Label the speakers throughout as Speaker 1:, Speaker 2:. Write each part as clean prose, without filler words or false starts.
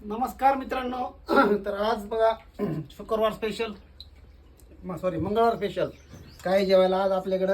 Speaker 1: नमस्कार मित्रांनो. तर आज बघा शुक्रवार स्पेशल सॉरी मंगळवार स्पेशल काय जेवायला आज आपल्याकडं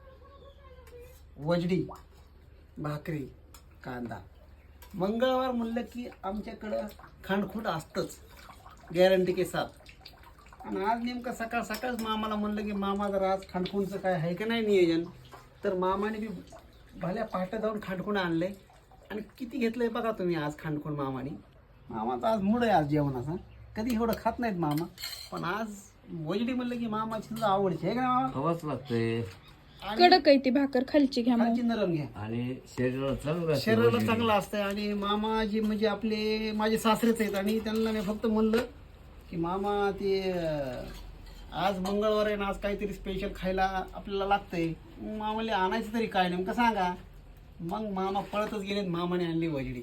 Speaker 1: वजडी भाकरी कांदा. मंगळवार म्हणलं की आमच्याकडं खांडखुंड असतंच गॅरंटी के साथ. आणि आज नेमकं सकाळ सकाळच मामाला म्हणलं की मामा जर आज खांडखुंडचं काय आहे का नाही नियोजन, तर मामाने बी भल्या पहाटे जाऊन खांडखुंड आणले. आणि किती घेतलंय बघा तुम्ही आज खांडखुंड मामाने. मामाचा आज मूड आहे आज जेवणाचा. कधी एवढं खात नाहीत मामा, पण आज वजडी म्हणलं की मामाची सुद्धा आवडची आहे का मामा.
Speaker 2: हवाच लागतंय
Speaker 1: आणि
Speaker 3: कडक आहे ती भाकर, खालची घ्या मग.
Speaker 1: खालची नरम घ्या,
Speaker 2: आणि शरीराला चांगलं असतं
Speaker 1: शरीराला
Speaker 2: वजडी.
Speaker 1: चांगलं असतं. आणि मामाजी म्हणजे आपले माझे सासरेच आहेत आणि त्यांना मी फक्त म्हणलं की मामा ते आज मंगळवार आहे ना, आज काहीतरी स्पेशल खायला आपल्याला लागतंय. मग मामाला आणायचं तरी काय नेमकं सांगा. मग मामा पळतच गेलेत, मामाने आणली वजडी.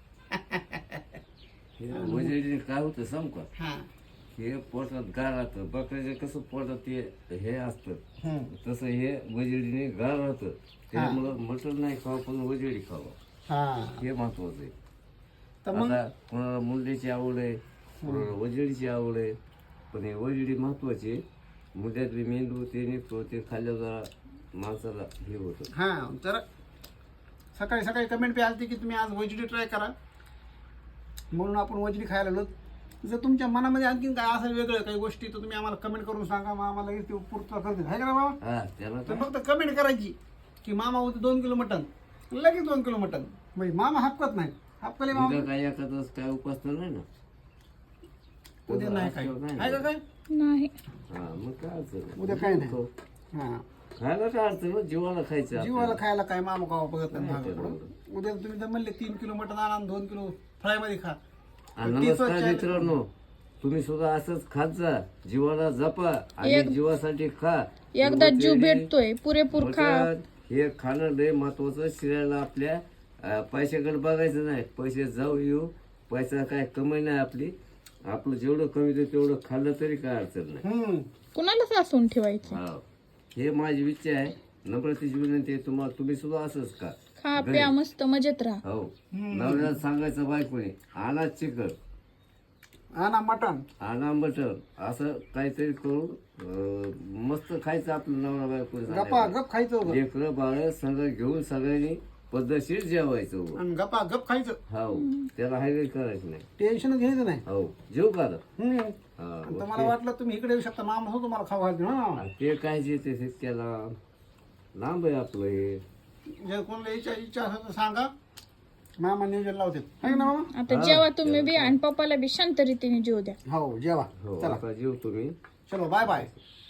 Speaker 2: हे वजडीने काय होतं सांग का,
Speaker 1: हा
Speaker 2: हे पोटात गार राहतं. बकऱ्याचे कसं पोटात ते हे असतं, तसं हे वजडीने गार राहतं. त्यामुळं मटण नाही खावं, पण वजडी खावं,
Speaker 1: हा
Speaker 2: हे महत्वाचं आहे.
Speaker 1: तर मग
Speaker 2: आता कोणाला मुंड्याची आवड आहे, कोणाला वजडीची आवड आहे, पण हे वजडी महत्वाची आहे. मुंड्यातली मेंदू ते निघतो, ते खाल्ल्या जरा माणसाला हे होतं.
Speaker 1: हा जरा सकाळी सकाळी कमेंट बी आलती की तुम्ही आज वजडी ट्राय करा, म्हणून आपण वजडी खायला आलो. जर तुमच्या मनामध्ये आणखीन काय असं वेगळं काही गोष्टी तर तुम्ही आम्हाला कमेंट करून सांगा. मामा लगेच ते पूर्तता करतील, आहे का ना मामा.
Speaker 2: हा त्याला
Speaker 1: तर
Speaker 2: काय
Speaker 1: फक्त कमेंट करायची की मामा होते 2 किलो मटन, लगेच 2 किलो मटन. म्हणजे मामा हापकत नाही, हापकले मामा
Speaker 2: उद्या काय एखादं काय उपास तर नाही ना.
Speaker 1: उद्या नाही काय आहे का काय.
Speaker 3: नाही.
Speaker 2: हा मग काय अडचण नाही.
Speaker 1: उद्या काय नाही. हा
Speaker 2: खायला काय अडचण नाही, जीवाला खायचं
Speaker 1: जीवाला खायला काय मामा खावा बघत नाही
Speaker 2: नाही,
Speaker 1: मागं पुढं.
Speaker 2: बरोबर.
Speaker 1: उद्या तुम्ही तर म्हणले 3 किलो मटन आणा, 2 किलो फ्राय मध्ये खा.
Speaker 2: आणि नमस्कार मित्रांनो, तुम्ही सुद्धा असंच खात जा, जीवाला जपा आणि
Speaker 3: एक-
Speaker 2: जीवासाठी खा.
Speaker 3: एकदा जीव
Speaker 2: वजडी,
Speaker 3: भेटतोय, पुरेपूर खा.
Speaker 2: मटण हे खाणं लय महत्वाचं. शरीराला आपल्या पैशाकडे बघायचं नाही. पैसे जाऊ येऊ, पैसा काय कमाई नाही आपली. आपलं जेवढं कमी तेवढं खाल्लं तरी काय अडचण नाही.
Speaker 3: कुणाला सासून ठेवायचं.
Speaker 2: हा हे माझी इच्छा आहे, नम्रतेची विनंती आहे तुम्हाला. तुम्ही सुद्धा असंच का
Speaker 3: खा प्या मस्त मजेत राहा.
Speaker 2: हो. नवऱ्याला सांगायचं बायकोने, आणा चिकन,
Speaker 1: आणा मटन,
Speaker 2: आणा मटण, असं काहीतरी करून मस्त खायचं आपलं नवरा
Speaker 1: गप्पा
Speaker 2: बायको.
Speaker 1: गप खायचं होतं.
Speaker 2: लेकरं बाळ सगळं घेऊन सगळ्यांनी पद्धतशीर जेवायचं.
Speaker 1: आणि गप्पा गप खायचं,
Speaker 2: हो त्याला हायवे करायचं नाही.
Speaker 1: टेन्शन घ्यायचं नाही.
Speaker 2: हो जेव का आता?
Speaker 1: आणि
Speaker 2: हा,
Speaker 1: तुम्हाला वाटलं तुम्ही इकडे येऊ शकता, मामा हो तुम्हाला खाऊ घालते ना.
Speaker 2: आणि ते काय जे ते त्याला लांब आहे आपलं हे.
Speaker 1: जर कोणाला इच्छा असेल तर सांगा, मामा नियोजन लावते, है ना मामा.
Speaker 3: आता जेव्हा तुम्ही बी आणि पप्पाला बी शांत रीतीने जीव द्या.
Speaker 1: हो जेवा.
Speaker 2: हो
Speaker 1: चला
Speaker 2: आता जेव तुम्ही.
Speaker 1: चलो बाय बाय.